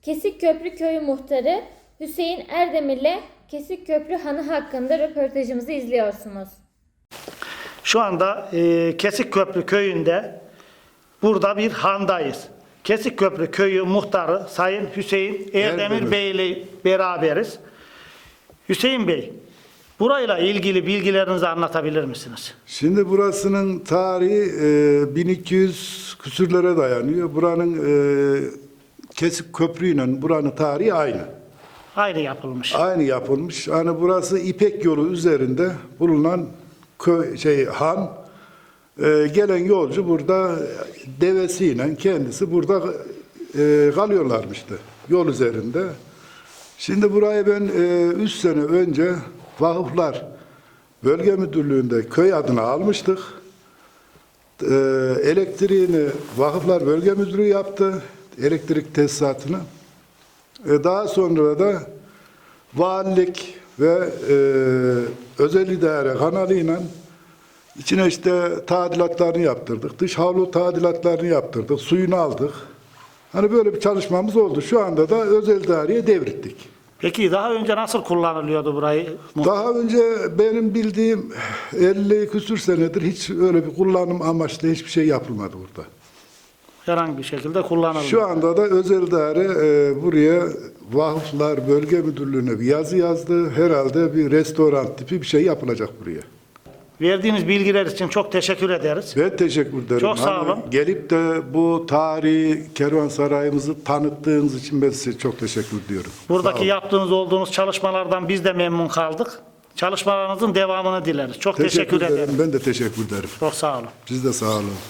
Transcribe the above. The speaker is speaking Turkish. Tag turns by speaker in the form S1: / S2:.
S1: Kesikköprü Köyü Muhtarı Hüseyin Erdemir'le Kesikköprü Hanı hakkında röportajımızı izliyorsunuz.
S2: Şu anda Kesikköprü Köyü'nde burada bir handayız. Kesikköprü Köyü Muhtarı Sayın Hüseyin Erdemir Bey ile beraberiz. Hüseyin Bey, burayla ilgili bilgilerinizi anlatabilir misiniz?
S3: Şimdi burasının tarihi 1200 küsürlere dayanıyor. Buranın Kesik ile buranın tarihi aynı.
S2: Aynı yapılmış.
S3: Aynı yapılmış. Hani burası İpek yolu üzerinde bulunan han. Gelen yolcu burada devesiyle kendisi burada kalıyorlarmıştı yol üzerinde. Şimdi burayı ben 3 sene önce Vakıflar Bölge Müdürlüğü'nde köy adını almıştık. Elektriğini Vakıflar Bölge Müdürlüğü yaptı, elektrik tesisatını. Daha sonra da valilik ve özel idare kanalıyla içine işte tadilatlarını yaptırdık. Dış havlu tadilatlarını yaptırdık. Suyunu aldık. Hani böyle bir çalışmamız oldu. Şu anda da özel idareye devrettik.
S2: Peki daha önce nasıl kullanılıyordu burayı?
S3: Daha önce benim bildiğim 50 küsür senedir hiç öyle bir kullanım amaçlı hiçbir şey yapılmadı burada.
S2: Herhangi bir şekilde kullanılmıyor.
S3: Şu anda da özel idare buraya Vakıflar Bölge Müdürlüğü'ne bir yazı yazdı. Herhalde bir restoran tipi bir şey yapılacak buraya.
S2: Verdiğiniz bilgiler için çok teşekkür ederiz.
S3: Ben teşekkür ederim.
S2: Çok sağ olun.
S3: Gelip de bu tarihi kervansarayımızı tanıttığınız için ben size çok teşekkür ediyorum.
S2: Buradaki yaptığınız olduğunuz çalışmalardan biz de memnun kaldık. Çalışmalarınızın devamını dileriz. Çok teşekkür ederim.
S3: Ben de teşekkür ederim.
S2: Çok sağ olun.
S3: Siz de sağ olun.